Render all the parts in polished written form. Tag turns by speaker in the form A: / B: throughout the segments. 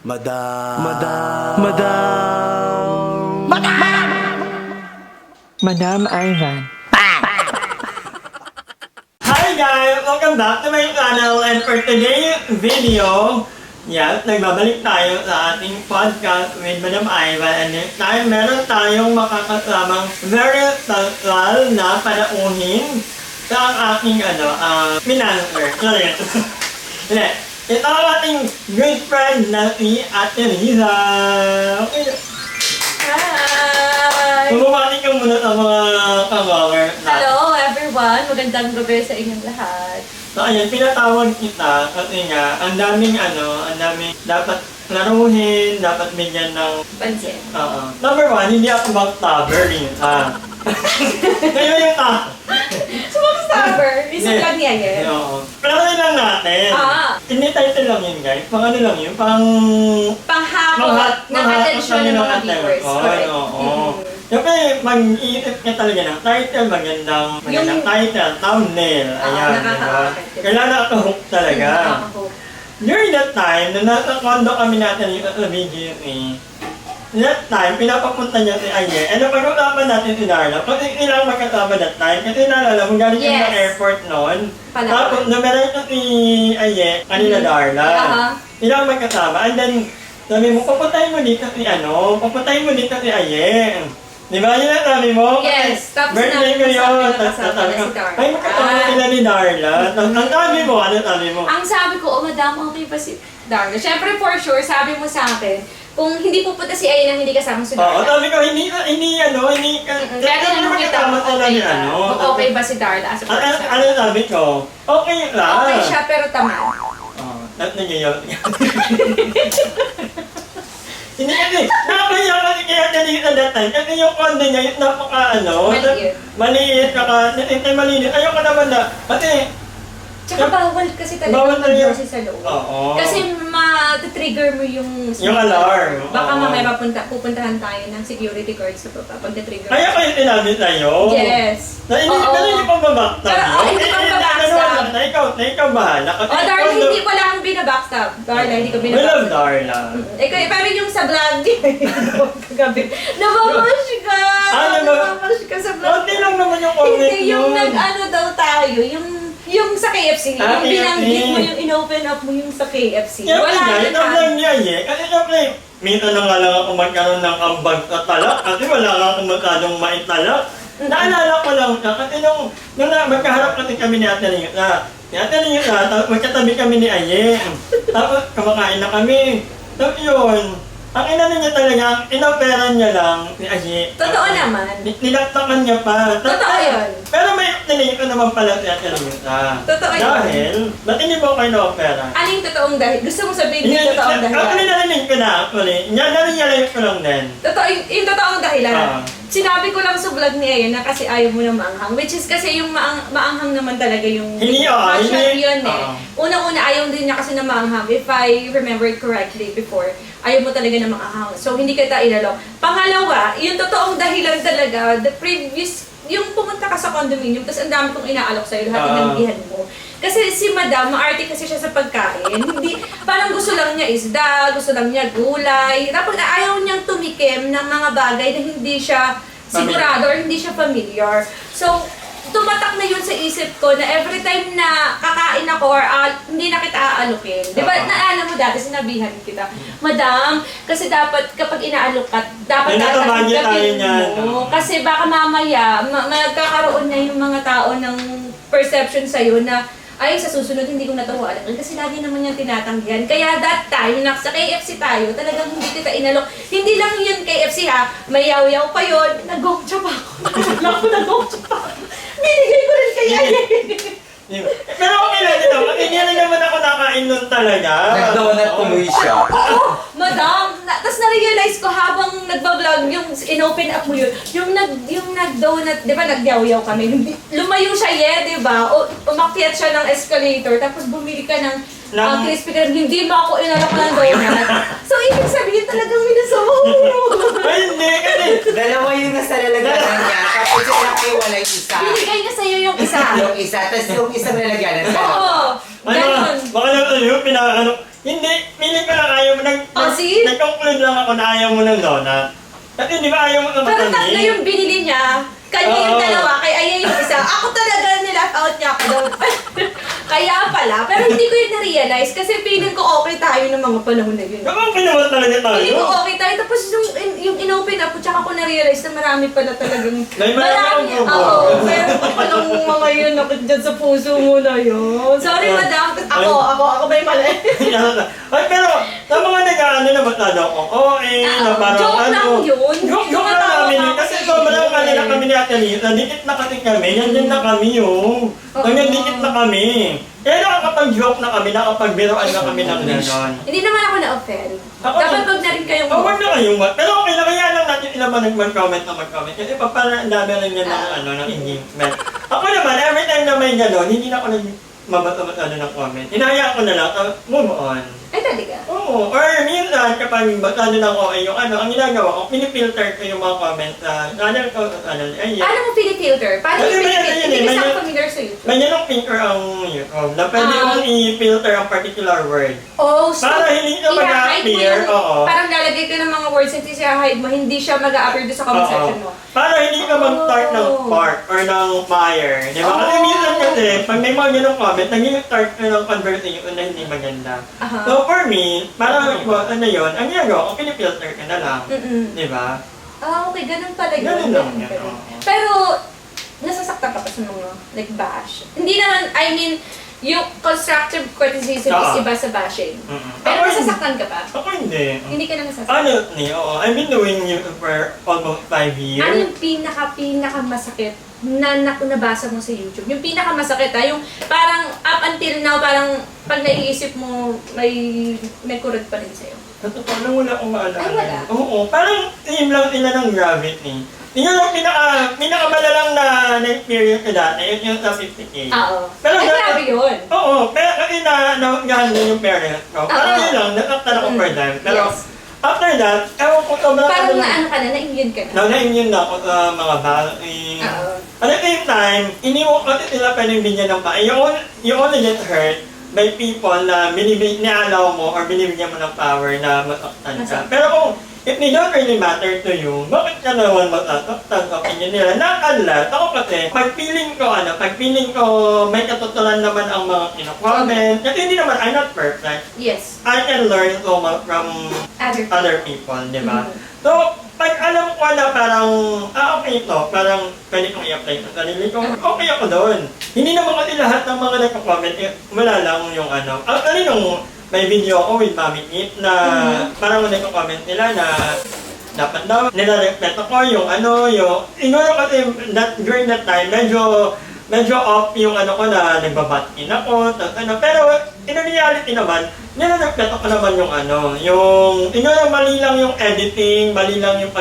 A: Madam.
B: Madam Ivan.
C: Hi guys! Welcome back to my channel, and for today's video, nagbabalik tayo sa ating podcast with Madam Ivan, and this time meron tayong makakasamang very special na panauhin sa aking financer. Hindi. Ito ang ating good friend na si Ate Riza. Okay.
D: Hi!
C: Bumabati ka muna sa mga ka-vlogger natin.
D: Hello everyone! Magandang gabi sa inyong lahat.
C: So ayan, pinatawag kita kasi nga, ang daming dapat laruhin, dapat bigyan ng...
D: Pansin.
C: Number one, hindi ako backstabber rin. Kayo yung
D: Backstabber! Isa lang niya yan.
C: Oo. Pero lang natin. Hindi title lang yun guys. Pang ano lang yun,
D: Panghakot ng atensyon ng mga viewers. Correct.
C: Oo. Siyempre, mag-iisip ka talaga ng title, magandang title, thumbnail. Ayan, diba? Kailangan ako-hook talaga. During that time, nung nasa condo kami natin sa BGC, that time, pinapapunta niya si Aye. And napag-usapan natin si Darla. Kasi ilang magkasama that time. Kasi naalala mo, galing yung sa airport noon. Tapos, numeral ko si Aye, kanina Darla. Ilang magkasama. And then, sabi mo, papuntahin mo dito si Aye. Di ba yun ang sabi mo?
D: Yes, tapos
C: birthday ko yun. Tapos sabi ko, ay magkasama sila ni Darla. Ang sabi mo, ano sabi mo?
D: Ang sabi ko, madam, okay pa si Darla. Siyempre, for sure, sabi mo sa akin, kung hindi pupunta si Aye nang hindi kasama si Darla.
C: Oo, sabi ko, hindi
D: Kaya tinanong kita kung okay ba si Darla.
C: Ano sabi ko? Okay lang.
D: Okay siya, pero tamad.
C: Nagyayot. Hindi kasi, nakakaya kasi kaya kanina that time. Kasi yung condo niya, yung maliit, maliit. Ayoko naman na, kasi,
D: Tsaka bawal kasi talaga mag-jersey sa loob. Kasi ma-trigger mo yung
C: alarm.
D: Baka mamaya pupuntahan tayo ng security guards sa baba pag na-trigger.
C: Kaya kayo sinabi sa'yo?
D: Yes.
C: Pero hindi pa babackstab yun?
D: Hindi pa babackstab.
C: Na ikaw bahala.
D: Darla, hindi ko lang binabackstab. Darla, hindi ko
C: We love
D: binabackstab.
C: Darla.
D: Pero yung sa vlog, kagabi, nababash ka! Nababash ka sa vlog.
C: Konti lang naman yung comment
D: Hindi, yung nag-ano daw tayo, yung sa KFC, yung binanggit mo, yung in-open up mo yung sa KFC.
C: Wala
D: na
C: ito lang niya kasi syempre, minsan na nga lang ako magkaroon ng ambag sa talak kasi wala nga akong masyadong maitalak. Naalala ko lang siya kasi nung magkaharap kasi kami ni Ate Lisa. Tapos magkatabi kami ni Aye. Tapos kumakain na kami. Tapos yun, ang inano niya talaga, inoperan niya lang si Aye.
D: Totoo naman.
C: Nilaktakan niya pa.
D: Totoo yun.
C: Pero may tinigil ko naman pala si Ate Lisa.
D: Totoo yun.
C: Dahil, ba't hindi mo kayo na-opera?
D: Ano yung totoong dahil? Gusto mo sabihin yung totoong dahilan?
C: Actually, narinig ko na actually. Narinig ko lang din.
D: Totoo, yung totoong dahilan. Sinabi ko lang sa vlog ni Ayan na kasi ayaw mo na maanghang. Which is kasi yung maanghang naman talaga yung passion yun eh. Unang-una, ayaw din niya kasi na maanghang. If I remember it correctly before, ayaw mo talaga na maanghang. So, hindi kita inalok. Pangalawa, yung totoong dahilan talaga, the previous, yung pumunta ka sa condominium, tapos ang dami kong inaalok sa'yo, lahat tinanggihan mo. Kasi si Madam, maarte kasi siya sa pagkain. Hindi, parang gusto lang niya isda, gusto lang niya gulay. Tapos ayaw niyang tumikim ng mga bagay na hindi siya sigurado or hindi siya familiar. So, tumatak na yun sa isip ko na every time na kakain ako or hindi na kita aalukin. Di ba, naalala mo dati, sinabihan kita, Madam, kasi dapat kapag inaalok ka, dapat tatanggapin mo. Kasi baka mamaya, magkakaroon na yung mga tao ng perception sa'yo na ay, sa susunod hindi ko na ito alakin kasi lagi naman yung tinatanggihan. Kaya that time, sa KFC tayo, talagang hindi kita inalok. Hindi lang yun KFC ha, may yaw-yaw pa yun. Nag-gongcha pa ako. Nag-gongcha pa ako. Binigay ko rin kaya
C: Pero okay lang ito, kasi hindi na naman ako nakain nun talaga.
A: Nag-donut tumuwi siya.
D: Madam, tapos na-realize ko habang nagbablog, yung in-open up mo yun, yung nag-donut, di ba nag-yaw-yaw kami, lumayo siya di ba? Umakyat siya ng escalator, tapos bumili ka ng crispy kreme, hindi mo ako inalok ng donut. So, ibig sabihin talagang minasama mo.
C: Ay, hindi, kasi
A: Dalawa yung nasa lalagyanan niya, tapos yung nakiwala yung isa.
D: Binigay niya sa'yo yung isa.
A: Yung isa, tapos yung isang lalagyanan.
D: Oo, ganun.
C: baka lang yun, hindi, feeling ko lang ayaw mo
D: see?
C: Nag-conclude lang ako na ayaw mo ng donut. Kasi di ba ayaw mo ng
D: Pero tatlo
C: matamis?
D: yung binili niya. Kanya yung
C: Oo.
D: dalawa, kay Aya yung isa. Ako talaga nilap out niya ako doon. Kaya pala. Pero hindi ko yun na-realize kasi feeling ko okay tayo ng mga panahon na yun.
C: Kapag pinawa talaga tayo.
D: Feeling ko okay tayo. Tapos yung in-open up, tsaka ko na-realize na marami pala talagang...
C: May marami akong bubo.
D: Oo. Meron pa palang mga yun nakit dyan sa puso mo na yun. Sorry, madam. Ako ba yung mali?
C: Ay, pero sa mga nag-ano na masyado akong na parang
D: Joke lang yun.
C: Joke lang namin yun. Kasi sobrang kanila kami ni Ate Lisa. Dikit na kasi kami. Yan din na kami yun. Dikit na kami. Kaya nakakapag-joke na kami, nakapag-biroan na kami ng gano'n.
D: Hindi naman ako na-offend.
C: Ako
D: Dapat
C: din.
D: wag na rin kayong...
C: Huwag na kayong pero okay lang, kaya lang natin ilan man mag-comment na mag-comment. Kasi parang ang dami lang yan ng engagement. Ako naman, every time na may gano'n, hindi na ako nagmamata-mata ng comment. Hinahayaan ko na lang, move on.
D: Ay, talaga?
C: Oo, or minsan kapag ano lang ko ay yung ang ginagawa ko, pinifilter ko yung mga comments sa channel ko, ay
D: Paano mo pinifilter? Paano mo
C: Kasi may
D: pinifilter?
C: ano yun eh,
D: Hindi
C: may
D: kasi ako
C: yun-
D: familiar sa YouTube.
C: may ganong filter ang YouTube na pwede mong i-filter ang particular word.
D: Oh, so,
C: Para hindi ka
D: i-hide mo
C: mag-appear,
D: yung-
C: oo.
D: Parang lalagay ka ng mga words and i-hide mo, hindi siya mag-a-appear doon sa comment
C: Oo.
D: section mo.
C: Para hindi ka mag-start ng part or ng fire. Di ba? Kasi
D: Oh.
C: minsan kasi, pag may mga ganong comment, nag-start ka ng conversation na hindi maganda.
D: Aha.
C: So for me, para ano yun, ang ginagawa ko, pinifilter ka na lang.
D: Mm-mm.
C: Di ba?
D: Ah, okay, ganun pala yun.
C: Ganun lang yan,
D: Ganun.
C: oo.
D: Pero, nasasaktan ka pa sa mga, like, bash. Hindi naman, I mean, yung constructive criticism is
C: Oo.
D: iba sa bashing.
C: Mm-mm.
D: Pero
C: Ako
D: nasasaktan ka pa?
C: Ako hindi.
D: Hindi ka na nasasaktan.
C: Honestly, oo. I've been doing YouTube for almost 5 years.
D: Ano yung pinaka-masakit na nabasa mo sa YouTube? Yung pinaka-masakit yung parang up until now, parang pag naiisip mo, may kurot pa rin sa'yo.
C: Sa totoo lang, wala akong maalala.
D: Ay, wala?
C: Oo, parang team lang sila ng Gravity. Yun yung pinakamalalang na experience ko dati, yun yung sa 50K.
D: Oo.
C: Pero
D: Ay, grabe yun.
C: Oo, pero kasi naunggahan din yung parents ko. Parang
D: Oo.
C: yun lang, nasaktan ako for them. Pero
D: Yes.
C: after that, ewan ko sobrang
D: Parang
C: lang.
D: na ka na, na-immune ka na.
C: Na-immune na ako sa mga vaccine.
D: Oo.
C: At the same time, iniwan kasi sila pwedeng binigyan ng pa. You only get hurt by people na nialaw mo or binibigyan mo ng power na masaktan ka. Pero kung if they don't really matter to you, bakit ka naman masasaktan sa opinion nila? Nakalat, ako kasi, pag feeling ko may katotohanan naman ang mga kino-comment. Kasi hindi naman, I'm not perfect.
D: Yes.
C: I can learn so much from other people, di ba? So, pag alam ko na parang, okay ito, parang pwede kong i-apply sa sarili ko, okay ako doon. Hindi naman kasi lahat ng mga nagko-comment, wala lang yung ano. Actually, nung may video ako with Mami Eat na parang nagko-comment nila na dapat daw, nilarespeto ko yung siguro kasi during that time, medyo off yung ko na nagbabatin ako, pero in reality naman, nilarespeto ko naman yung siguro mali lang yung editing, mali lang yung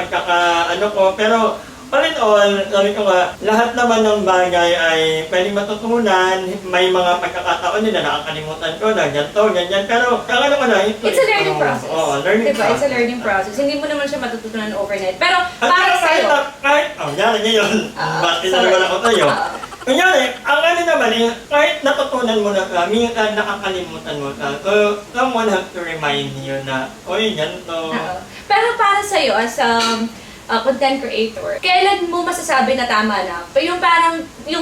C: ko, pero all in all, sabi ko nga, lahat naman ng bagay ay pwedeng matutunan, may mga pagkakataon din na nakakalimutan ko na ganito, ganyan, pero ang ko na,
D: It's a learning process.
C: Oo, learning
D: diba?
C: process.
D: It's a learning process. Hindi mo naman siya matututunan overnight. Pero
C: At
D: para
C: saka
D: sa'yo,
C: yan ngayon, bakit naman ako sa'yo? Kunyari, ang naman kahit natutunan mo na minsan nakakalimutan mo so someone has to remind you na, oy, ganito.
D: Pero para sa'yo, as content creator, kailan mo masasabi na tama na? Yung parang,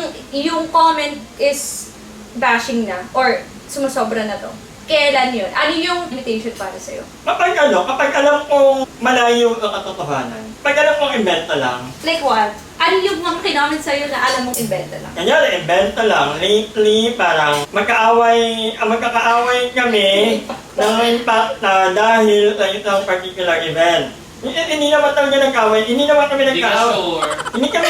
D: yung comment is bashing na or sumusobra na to. Kailan yun? Ano yung limitation para sa'yo?
C: Kapag alam kong malayo ang katotohanan, pag alam kong inventa lang,
D: Like what? Ano yung mga kinoment sa'yo na alam mong inventa lang?
C: kanyari, inventa lang, lately, parang magkakaaway kami ng impact na dahil sa isang particular event. Hindi naman talaga nag-away, hindi naman kami
E: Hindi ka
C: nag-away.
E: sure.
C: Hindi kami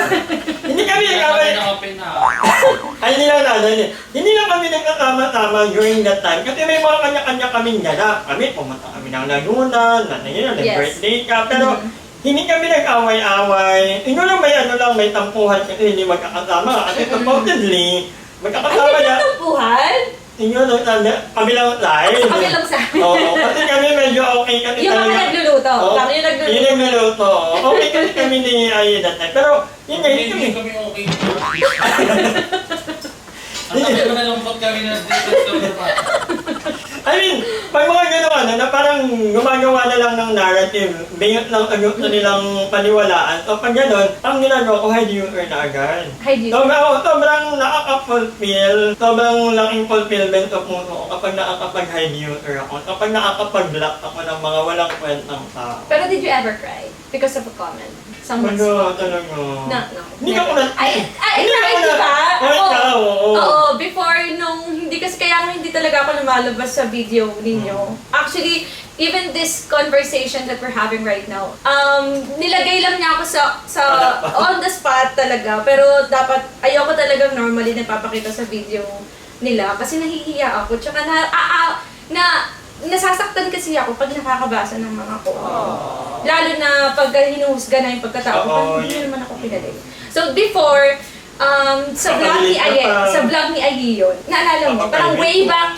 C: nag-away.
E: Open na.
C: Ay, hindi lang kami nagkakama-tama during that time. Kasi may mga kanya-kanya kaming ganap. Kami, pumunta kami ng Laguna, nag-birthday ka. Pero, hindi kami nag-away-away. Siguro may tampuhan kasi hindi magkakasama. Kasi supposedly, magkakasama na.
D: Ay, tampuhan?
C: Siguro, kabilang live.
D: Kabilang sa amin.
C: Oo, kasi kami medyo okay kami
D: Yung mga nagluluto.
C: Oo,
D: Lang yung nagluluto.
C: Yung nagluluto. Okay kasi kami ni Ayo that time. Pero, yun nga,
E: Hindi
C: hindi kami.
E: kami okay. Ang tagal na nalungkot kami na dito sa pa.
C: I mean, pag mga gano'n na parang gumagawa na lang ng narrative, bayot lang agad na nilang paniwalaan. So pag gano'n, ang ginagawa ko, hide you na agad.
D: Hide you.
C: Sobrang nakaka-fulfill, sobrang laking fulfillment of mo ko kapag nakakapag-hide you ako, kapag nakakapag-block ako ng mga walang kwentang tao.
D: Pero did you ever cry because of a comment? Someone's
C: Talaga.
D: No.
C: Hindi ako na...
D: Ay,
C: Hindi
D: right,
C: ako
D: di ba?
C: ikaw, oo.
D: Oo, before nung, hindi kasi kaya nga hindi talaga ako lumalabas sa video ninyo. Actually, even this conversation that we're having right now, nilagay lang niya ako sa on the spot talaga. Pero dapat, ayoko talagang normally napapakita sa video nila kasi nahihiya ako. Tsaka nasasaktan kasi ako pag nakakabasa ng mga comments. Lalo na pag hinuhusga na yung pagkatao ko, parang hindi naman ako pinalay. So before, sa vlog ni Ayi yun, naalala mo, parang way back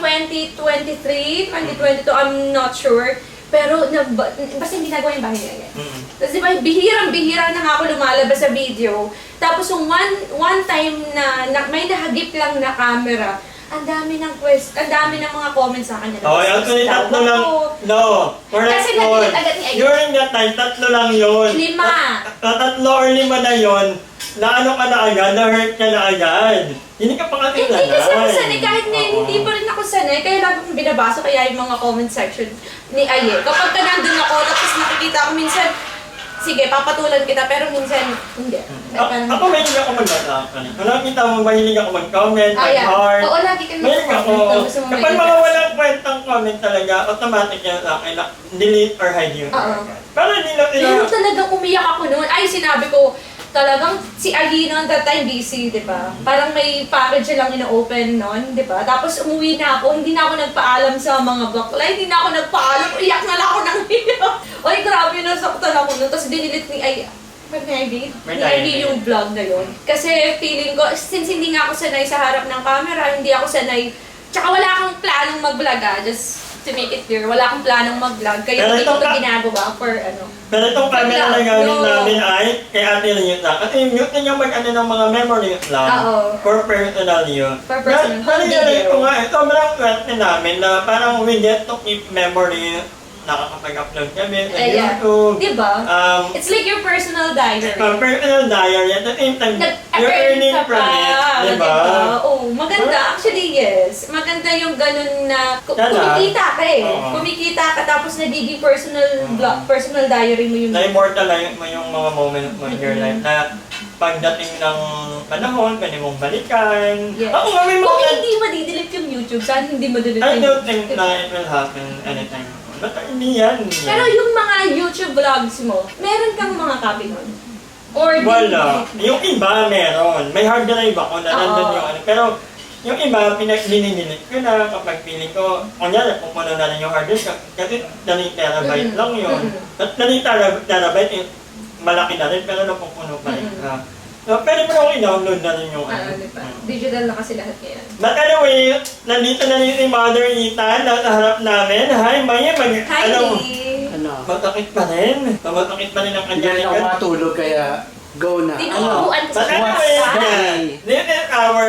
D: 2023, 2022, I'm not sure. Pero basta hindi nagawa yung bahay niya. Tapos di ba, bihirang-bihira na nga ako lumalabas sa video. Tapos yung one time na may nahagip lang na camera, ang dami ng mga comments sa kanya.
C: Actually, tatlo lang. No, correct.
D: Kasi nag-delete agad ni Ayi.
C: During that time, tatlo lang yun.
D: 5.
C: Tatlo or 5 na yun, na ano ka na agad, na-hurt ka na agad. Hindi ka pa nga
D: Hindi kasi ako sanay,
C: tinanay.
D: kahit ngayon hindi pa rin ako sanay, kaya lagi kong binabasa kaya yung mga comment section ni Ayi. Kapag ka nandun ako, tapos nakikita ko minsan, sige, papatulan kita, pero minsan, hindi.
C: Ako mahilig ako mag-attack. Kung nakita mo, mahilig ako mag-comment, mag-heart.
D: Oo, lagi kami
C: Mahilig ako. Kapag mga walang kwentang comment talaga, automatic yan sa akin na delete or hide you. Para hindi lang
D: Pero talagang umiyak ako noon. Ay, sinabi ko, talagang si Ayi noon that time busy, di ba? Parang may package lang ina-open noon, di ba? Tapos umuwi na ako, hindi na ako nagpaalam sa mga bakla, hindi na ako nagpaalam, iyak na lang ako ng iyak. Ay, grabe, nasaktan ako noon. Tapos dinilit ni Ayi, ni Ayi yung vlog na yun. Kasi feeling ko, since hindi nga ako sanay sa harap ng camera, hindi ako sanay, tsaka wala akong planong mag-vlog just to make it clear, wala akong planong mag-vlog, kaya hindi ko ito ginagawa for ano.
C: Pero itong camera na gamit namin ay kay Ate Ryut na. Kasi mute na niya mag-ano ng mga memory lang. For personal yun.
D: For personal.
C: Nalilala ko nga, sobrang swerte namin na parang we get to keep memory. Nakakapag-upload kami sa YouTube.
D: Diba? It's like your personal diary.
C: Personal diary. At the same time, you're earning from it. Diba?
D: Oo, maganda. Actually, yes. Maganda yung ganun na kumikita ka Kumikita ka tapos nagiging personal diary mo yung...
C: Na-immortalize mo yung mga moment mo in your life na pagdating ng panahon, pwede mong balikan.
D: Yes.
C: Kung
D: hindi madidelete yung YouTube, saan hindi madidelete
C: I
D: yung
C: don't think na it will happen anytime. Ba't hindi yan?
D: Pero yung mga YouTube vlogs mo, meron kang mga copy nun? Or
C: wala. Yung iba meron. May hard drive ako na nandun yung ano. Pero yung iba, dininilit ko na kapag feeling ko, kunyari, pupuno na lang yung hard disk. Kasi 3 terabyte lang yun. At 3 terabyte, malaki na rin, pero napupuno pa rin. So, pwede mo lang i-download na rin yung ano.
D: Digital na kasi lahat ngayon.
C: But anyway, nandito na rin si Mother Ethan sa harap namin. Hi, Maya.
D: Hi, Lee!
C: Matakit pa rin. Matakit pa rin ang kanyang
E: Hindi ako matulog kaya go na.
D: Tinutubuan ko sa
C: This is our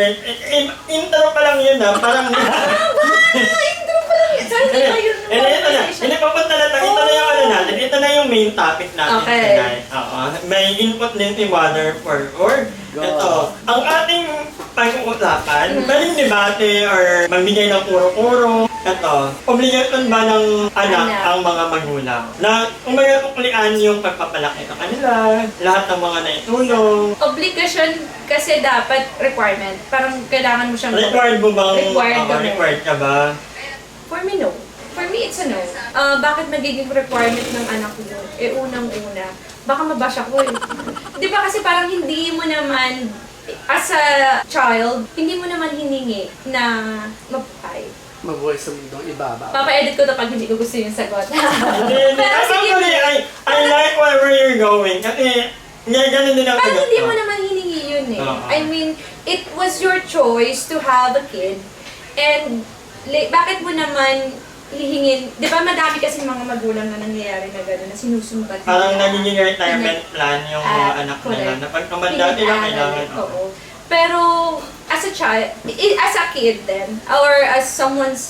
C: intro pa lang yun ha. Parang
D: intro pa lang yun. Saan hindi ba yun?
C: Hindi papunta na tayo. Ito na yung ano natin. Ito na yung main topic natin tonight. May input din si Mother for or ito. Ang ating pag-uusapan, pwedeng debate or magbigay ng kuro-kuro. Ito, obligasyon ba ng anak ang mga magulang? Na kung magkakuklian yung pagpapalaki sa kanila, lahat ng mga naitulong.
D: Obligasyon kasi dapat requirement. Parang kailangan mo siyang...
C: Required mo bang?
D: Required
C: ka ba?
D: For me, no. For me, it's a no. Bakit magiging requirement ng anak ko yun? Unang-una, baka mabash ako eh. Di ba kasi parang hindi mo naman, as a child, hindi mo naman hiningi na mabuhay.
E: Mabuhay sa mundong ibaba.
D: Papa-edit ko to pag hindi ko gusto yung sagot.
C: Actually, I like wherever you're going. Kasi, ganun din ang
D: parang hindi mo naman hiningi yun eh. I mean, it was your choice to have a kid. And, bakit mo naman hihingin, di ba madami kasi mga magulang na nangyayari na gano'n na sinusumbat.
C: Parang nagiging retirement plan yung mga anak nila. Na pag tumanda nila, kailangan.
D: Oo. Pero, as a child, as a kid then, or as someone's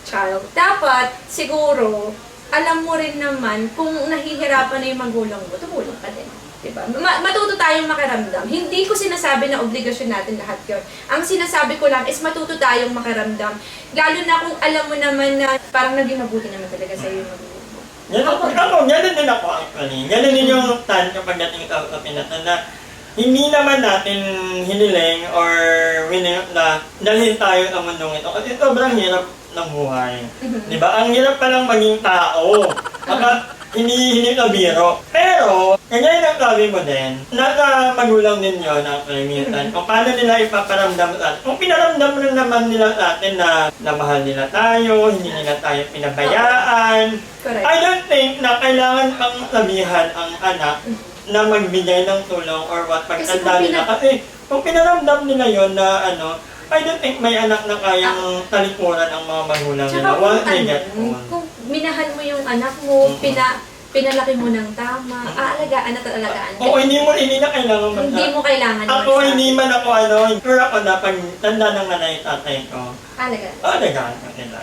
D: child. Dapat, siguro, alam mo rin naman kung nahihirapan na yung magulang mo, tumulong ka din. Diba? Matuto tayong makiramdam. Hindi ko sinasabi na obligasyon natin lahat yun. Ang sinasabi ko lang is matuto tayong makiramdam. Lalo na kung alam mo naman na parang naging mabuti naman talaga sa iyo yung magulang mo.
C: Ganun din ako actually. Ganun din yung tan kapag dating sa pinatan na hindi naman natin hiniling or winning na dalhin tayo sa mundong ito. Kasi sobrang hirap ng buhay. Diba? Ang hirap palang maging tao. Kapag hindi na biro. Pero, kanya yung sabi mo din, nasa magulang din yun ang minsan. Kung paano nila ipaparamdam sa atin. Kung pinaramdam rin naman nila sa atin na mahal nila tayo, hindi nila tayo pinabayaan.
D: Correct.
C: I don't think na kailangan pang sabihan ang anak na magbigay ng tulong or what pagtanda nila. Kasi kung pinaramdam nila yun na I don't think may anak na kayang talikuran ang mga magulang nila.
D: Kung minahal mo yung anak mo, pinalaki mo ng tama, aalagaan at alagaan.
C: Oo, hindi na kailangan
D: Hindi mo kailangan.
C: Ako, hindi man ako sure ako na pag tanda ng nanay tatay ko.
D: Alagaan.
C: Alagaan ko nila.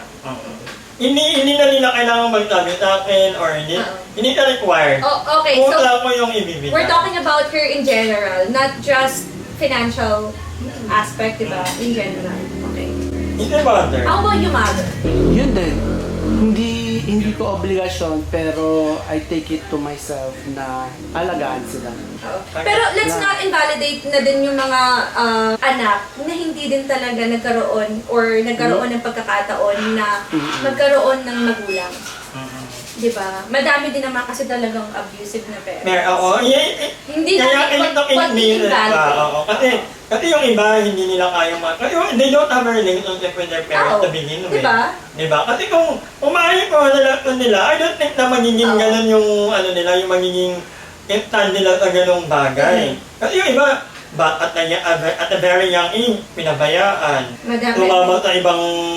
C: Hindi na nila kailangan magsabi sa akin or hindi ka required.
D: Oh, okay,
C: Kung
D: so
C: wala ko yung ibibigay.
D: we're talking about her in general, not just financial aspect, diba? In general. Okay.
C: Hindi mother.
D: How about you, mother?
E: Yun din. Hindi ko obligasyon, pero I take it to myself na alagaan sila.
D: Pero let's not invalidate na din yung mga anak na hindi din talaga nagkaroon ng pagkakataon na magkaroon ng magulang. Diba? Madami din naman kasi talagang abusive na parents.
C: Oo.
D: Hindi
C: Kaya
D: natin
C: pag-invalidate. Kasi yung iba, hindi nila kaya they don't have a relationship with their parents to begin with. Diba? Kasi kung umaayos ko nila, I don't think na magiging ganun yung yung magiging instant nila sa ganung bagay. Kasi yung iba, at a very young age, pinabayaan. Tumama sa ibang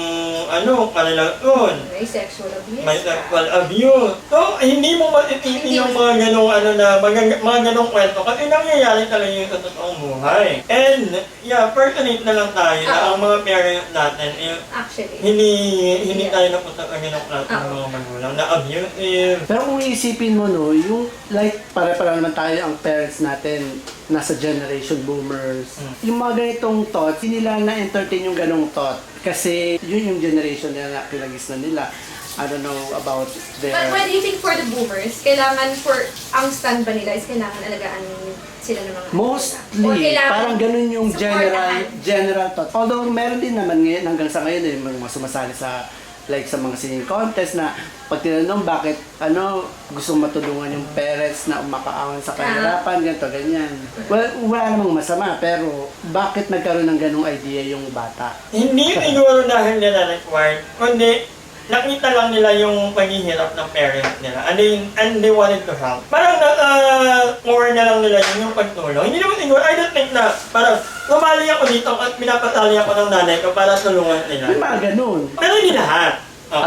C: kanilang
D: May sexual abuse.
C: May sexual abuse. So, hindi mo matititi yung mga ganong mga ganong kwento kasi nangyayari talaga yung sa totoong buhay. And, personate na lang tayo na ang mga parents natin
D: Actually.
C: hindi tayo napunta sa ganong klase ng mga magulang na abusive.
E: Pero kung iisipin mo, yung pare-pare naman tayo ang parents natin, nasa generation boomers. Yung mga ganitong thoughts, hindi nila na-entertain yung ganong thought. Kasi yun yung generation nila na kinagisnan nila. I don't know about their...
D: But what do you think for the boomers? Ang stand ba nila is kailangan alagaan sila ng mga
E: Mostly, parang ganun yung general thought. Although meron din naman ngayon, hanggang sa ngayon, mga sumasali sa mga singing contest na pag tinanong bakit gusto matulungan yung parents na umakaawan sa kahirapan, ganito, ganyan. Well, wala namang masama, pero bakit nagkaroon ng ganung idea yung bata?
C: Hindi siguro dahil nila required, kundi nakita lang nila yung paghihirap ng parents nila and they wanted to help. Parang core na lang nila yung pagtulong. Hindi naman siguro, I don't think na parang lumali ako dito at pinapasali ako ng nanay ko para tulungan nila.
E: May mga ganun.
C: Pero hindi lahat.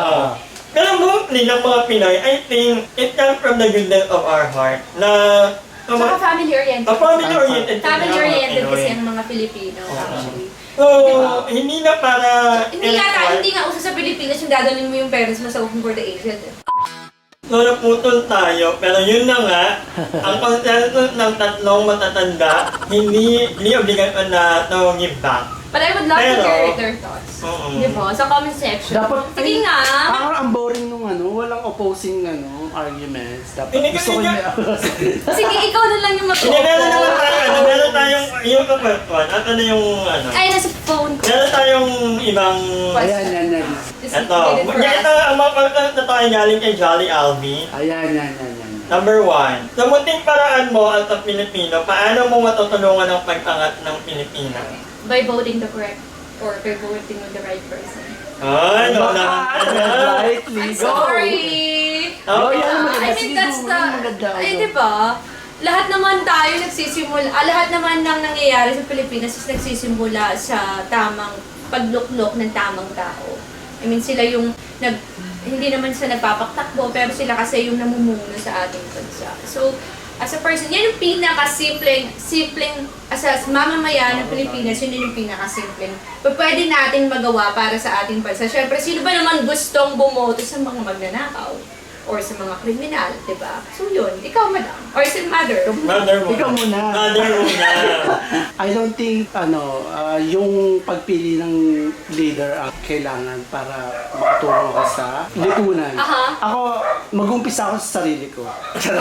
C: Pero mostly ng mga Pinoy, I think it comes from the goodness of our heart na
D: Saka family-oriented.
C: Family-oriented.
D: Family-oriented kasi ang mga Pilipino, actually.
C: So, hindi na para...
D: Hindi nga uso sa Pilipinas yung dadalhin mo yung parents mo sa Open for the Aged.
C: So, naputol tayo, pero yun na nga, ang consensus ng tatlong matatanda, hindi obligasyon na to give back.
D: But I would love to hear their thoughts. Diba? Sa comment section.
E: Dapat,
D: Sige nga!
E: Parang ang boring nung walang opposing arguments. Dapat
C: Hindi
E: gusto ko
D: Sige, ikaw na lang yung
C: Hindi, meron naman
D: mag-o-oppose.
C: meron tayong yung first one, at yung
D: Ay, nasa phone ko.
C: meron tayong ibang...
E: Ayan.
C: Ito, ang mga content na tayo galing kay Jolly Alvin.
E: Ayan.
C: Number 1, sa munting paraan mo at sa Pilipino, paano mo matutulungan ang pag-angat ng Pilipinas?
D: By voting the correct or by voting with the right person.
C: Ay, no naman.
E: Rightly,
D: I'm
E: go!
D: sorry!
E: Maganda.
D: I think that's the...
E: Maganda.
D: Ay, diba? Lahat naman tayo nagsisimula, lahat naman ng nangyayari sa Pilipinas is nagsisimula sa tamang pagluklok ng tamang tao. I mean, sila yung hindi naman sila nagpapaktakbo, pero sila kasi yung namumuno sa ating bansa. So, as a person, yan yung pinakasimpleng, as a mamamayan ng Pilipinas, yun yung pinakasimpleng pwede natin magawa para sa ating bansa. Siyempre, sino ba naman gustong bumoto sa mga magnanakaw? Or sa mga kriminal, di ba? So yun, ikaw madam. Or si mother.
C: Mother mo.
E: Ikaw muna.
C: Mother mo na.
E: I don't think, yung pagpili ng leader ang kailangan para makatulong ka sa lipunan.
D: Aha.
E: Ako, mag-umpisa ako sa sarili ko.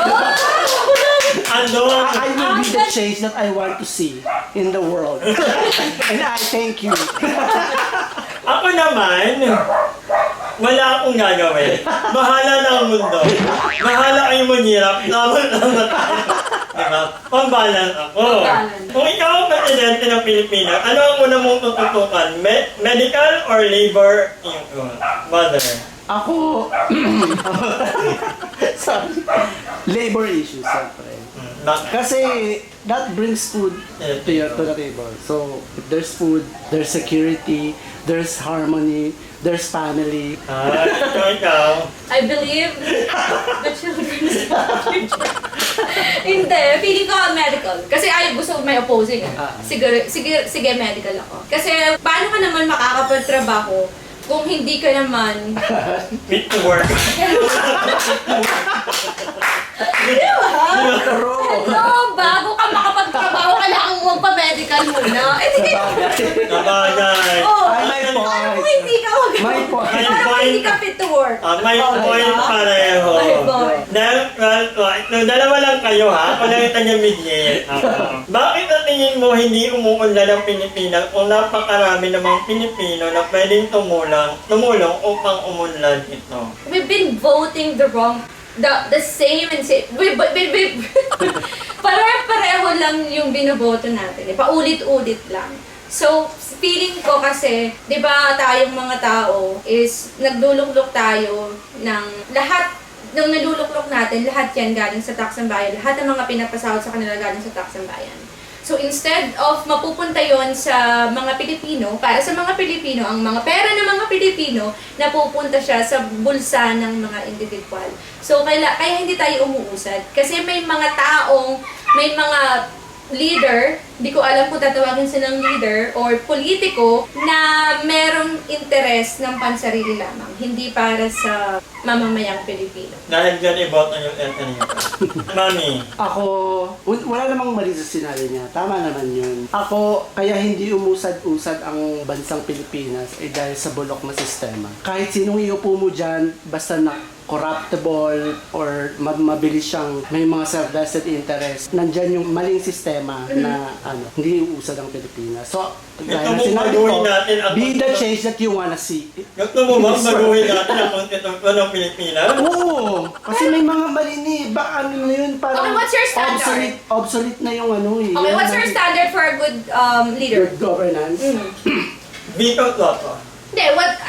C: Ano?
E: I will be the change that I want to see in the world. And I thank you.
C: Ako naman, wala akong gagawin. Bahala na ang mundo. Bahala kayong manghirap. Naman tayo. Diba? Pambalan ako.
D: Pambalan.
C: Kung ikaw ang presidente ng Pilipinas, ano ang una mong tututukan? Medical or labor? Mother.
E: Ako, sorry, labor issues, siyempre. Kasi that brings food to the table. So, if there's food, there's security, there's harmony, there's family.
C: Ikaw.
D: I believe the children's future. Hindi, feeling ko medical. Kasi gusto ko may opposing. Sige, medical ako. Kasi paano ka naman makakapagtrabaho kung hindi ka naman
C: Fit to work.
D: di ba? Hello, bago ka makapagtrabaho, kailangan mo magpa-medical muna. Eh, di kayo.
C: Nabagay.
D: Oh,
E: May point.
D: paano kung hindi ka
E: May point.
D: Paano kung hindi ka fit to work?
C: May point
D: diba?
C: pareho.
D: May point.
C: Dalawa lang kayo ha, ako lang yung taga-mediate. Bakit sa tingin mo hindi umuunlad ang Pilipinas kung napakarami namang Pilipino na pwedeng tumulong upang umunlad ito?
D: We've been voting the same and same. Pare-pareho lang yung binoboto natin. Paulit-ulit lang. So, feeling ko kasi, di ba tayong mga tao is nagluluklok tayo ng lahat ng naluluklok natin, lahat yan galing sa tax ng bayan. Lahat ng mga pinapasahod sa kanila galing sa tax ng bayan. So instead of mapupunta yon sa mga Pilipino, para sa mga Pilipino, ang mga pera ng mga Pilipino, napupunta siya sa bulsa ng mga individual. So kaya hindi tayo umuusad. Kasi may mga taong, may mga leader, hindi ko alam kung tatawagin silang leader or politiko na merong interes ng pansarili lamang, hindi para sa mamamayang Pilipino.
C: Dahil dyan i-vote ang yung kanina. Mami.
E: Ako, wala namang mali sa sinabi niya. Tama naman yun. Ako, kaya hindi umusad-usad ang bansang Pilipinas dahil sa bulok na sistema. Kahit sinong iupo mo dyan, basta na corruptible or mabilis siyang may mga self-vested interest, nandyan yung maling sistema na hindi uusad ang Pilipinas. So, gaya na sinabi ko, be the change that you wanna see.
C: Gusto mo bang baguhin natin ang konstitusyon ng Pilipinas?
E: Oo! Kasi may mga mali ni, baka ano na yun, parang
D: Okay, what's your standard?
E: obsolete na yung ano eh.
D: Okay, what's your standard for a good leader?
E: Good governance?
C: Veto Toto.
D: Hindi,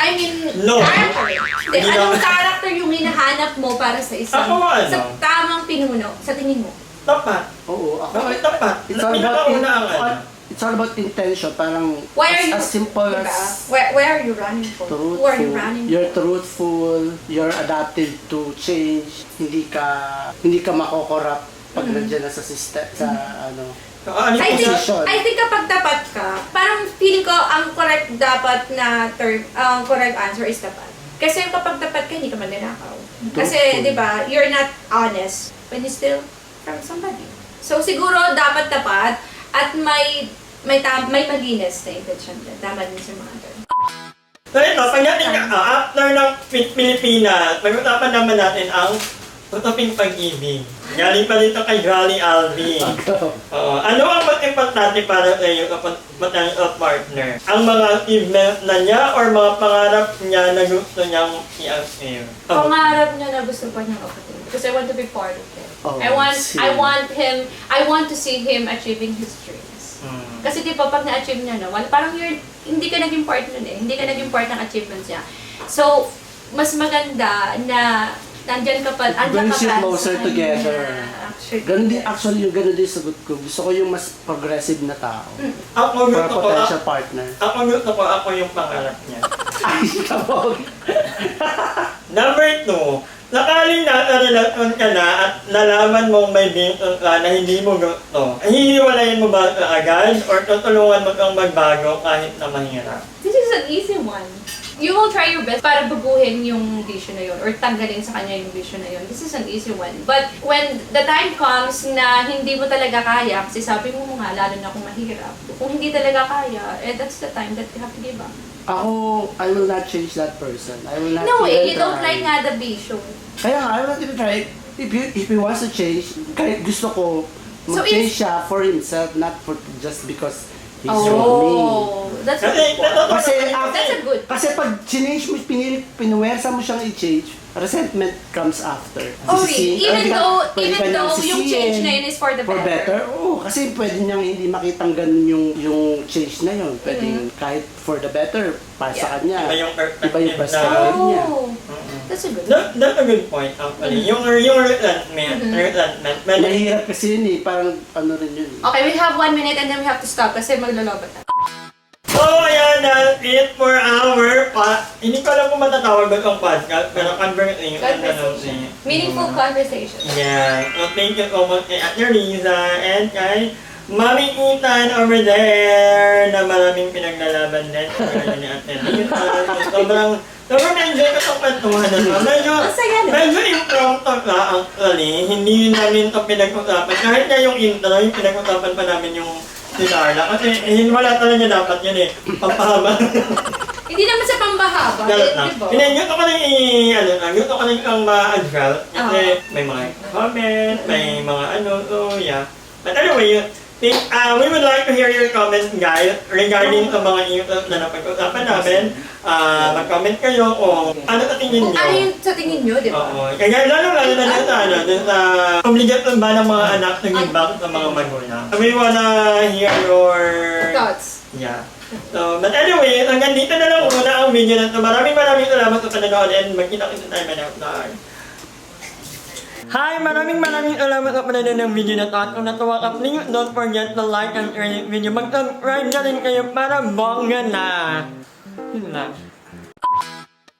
C: No.
D: character. Hindi,
C: Hindi
D: anong
C: lang.
D: character yung hinahanap mo para sa isang,
C: Ako, ano?
D: sa tamang pinuno, sa tingin mo?
C: Tapat.
E: Oo, ako.
C: Bakit tapat?
E: It's all about
C: Pinakauna ang ano.
E: it's all about intention. Parang
D: Why are you,
E: as simple
D: diba?
E: as
D: Where are you running for? Who are you
E: truthful.
D: running for?
E: You're truthful. You're adaptive to change. Hindi ka mako-corrupt pag nandiyan na sa system, sa ano.
C: Ano
D: I think,
E: Position.
D: I think kapag tapat ka, parang feeling ko ang correct dapat na term, correct answer is tapat. Kasi kapag tapat ka, hindi ka magnanakaw. Kasi,
E: Truthful.
D: di ba, you're not honest when you steal from somebody. So, siguro dapat tapat at may malinis na intention din. Tama din si mother.
C: So ito, pagdating after ng Pilipinas, pag-usapan naman natin ang tutuping pag-ibig. Galing pa dito kay Jolly Alvin. Ano ang mas importante para sa iyo kapag potential partner? Ang mga achievements na niya or mga pangarap niya na gusto niyang i-achieve?
D: Pangarap niya na gusto pa niyang achieve. Because I want to be part of it.
E: Oh,
D: I want to see him achieving his dreams. Kasi di ba pag na-achieve niya na, parang hindi ka naging part nun eh. Hindi ka naging part ng achievements niya. So, mas maganda na nandyan ka pa,
E: Brings you closer
D: sa
E: together.
D: kanya.
E: Actually, yung ganun din sagot ko. Gusto ko yung mas progressive na tao.
C: Ako
E: For a
C: gusto ko,
E: potential partner.
C: ako yung pangarap niya.
E: Ay, kabog!
C: Number 2, Sakaling nasa relasyon ka na at nalaman mong may bintang ka na hindi mo gusto, hihiwalayin mo ba ito agad or tutulungan mo kang magbago kahit na mahirap?
D: This is an easy one. You will try your best para baguhin yung vision na yun or tanggalin sa kanya yung vision na yun. This is an easy one. But when the time comes na hindi mo talaga kaya, kasi sabi mo nga, lalo na kung mahirap, kung hindi talaga kaya, that's the time that you have to give up.
E: Ako, I will not change that person. I will not
D: No way,
E: even
D: you don't
E: try.
D: like nga the vision.
E: Kaya nga, I will not even try. If he wants to change, kahit gusto ko,
D: So
E: mag-change
D: if-
E: siya for himself, not for just because he's with me.
D: That's a
C: Kasi,
D: good one.
E: Kasi,
D: That's a good.
E: kasi pag change mo, pinuwersa mo siyang i-change, resentment comes after.
D: Oh,
E: Sisisihin-
D: even
E: pwede ka-
D: though
E: pwede ka niyang
D: yung
E: sisihin
D: change na yun is for the better.
E: Oo, kasi pwede niyang hindi makitang ganun yung change na yun. Pwede kahit for the better, para sa kanya.
C: Iba yung perspective
E: Iba yung
C: na-
E: perspective niya.
D: Oh, that's a good one.
C: That's a good point actually. Yung resentment, but
E: Mahirap kasi yun eh, parang ano rin yun.
D: Okay, we have 1 minute and then we have to stop kasi maglolobat na.
C: So, ayan, that's it for our hindi ko alam kung matatawag ba itong podcast, pero
D: Conversation. Meaningful conversation.
C: Yeah. So, thank you so much kay Ate Riza and kay Mami Ethan over there na maraming pinaglalaban din. Kaya ni Ate Riza. Sobrang na-enjoy ko itong kwentuhan na ito. Medyo impromptu na actually. Hindi namin ito pinag-usapan. Kahit nga yung intro, yung pinag-usapan pa namin yung si Darla. Kasi wala talaga dapat yun eh. Pampahaba.
D: Hindi naman sa pambahaba,
C: Dalat na.
D: di ba?
C: Hindi, gusto ko nang gusto ko nang ang ma-advert. Kasi may mga comment, may mga so yeah. But anyway, we would like to hear your comments, guys, regarding sa mga issues na napag-usapan namin. Mag-comment kayo kung ano sa tingin
D: Kung
C: nyo.
D: ano yung sa tingin nyo, di ba?
C: Oo. Kaya lalo na dun sa obligasyon ba ng mga anak na give back sa mga magulang. We wanna hear your
D: Thoughts.
C: Yeah. So, but anyway, hanggang dito na lang muna ang video na ito. Maraming salamat sa panonood and magkita-kita tayo man outside. Hi! Maraming salamat sa panonood ng video na ito. At kung natuwa ka, please don't forget to like and share this video. Mag-subscribe na rin kayo para bongga na. Yun na.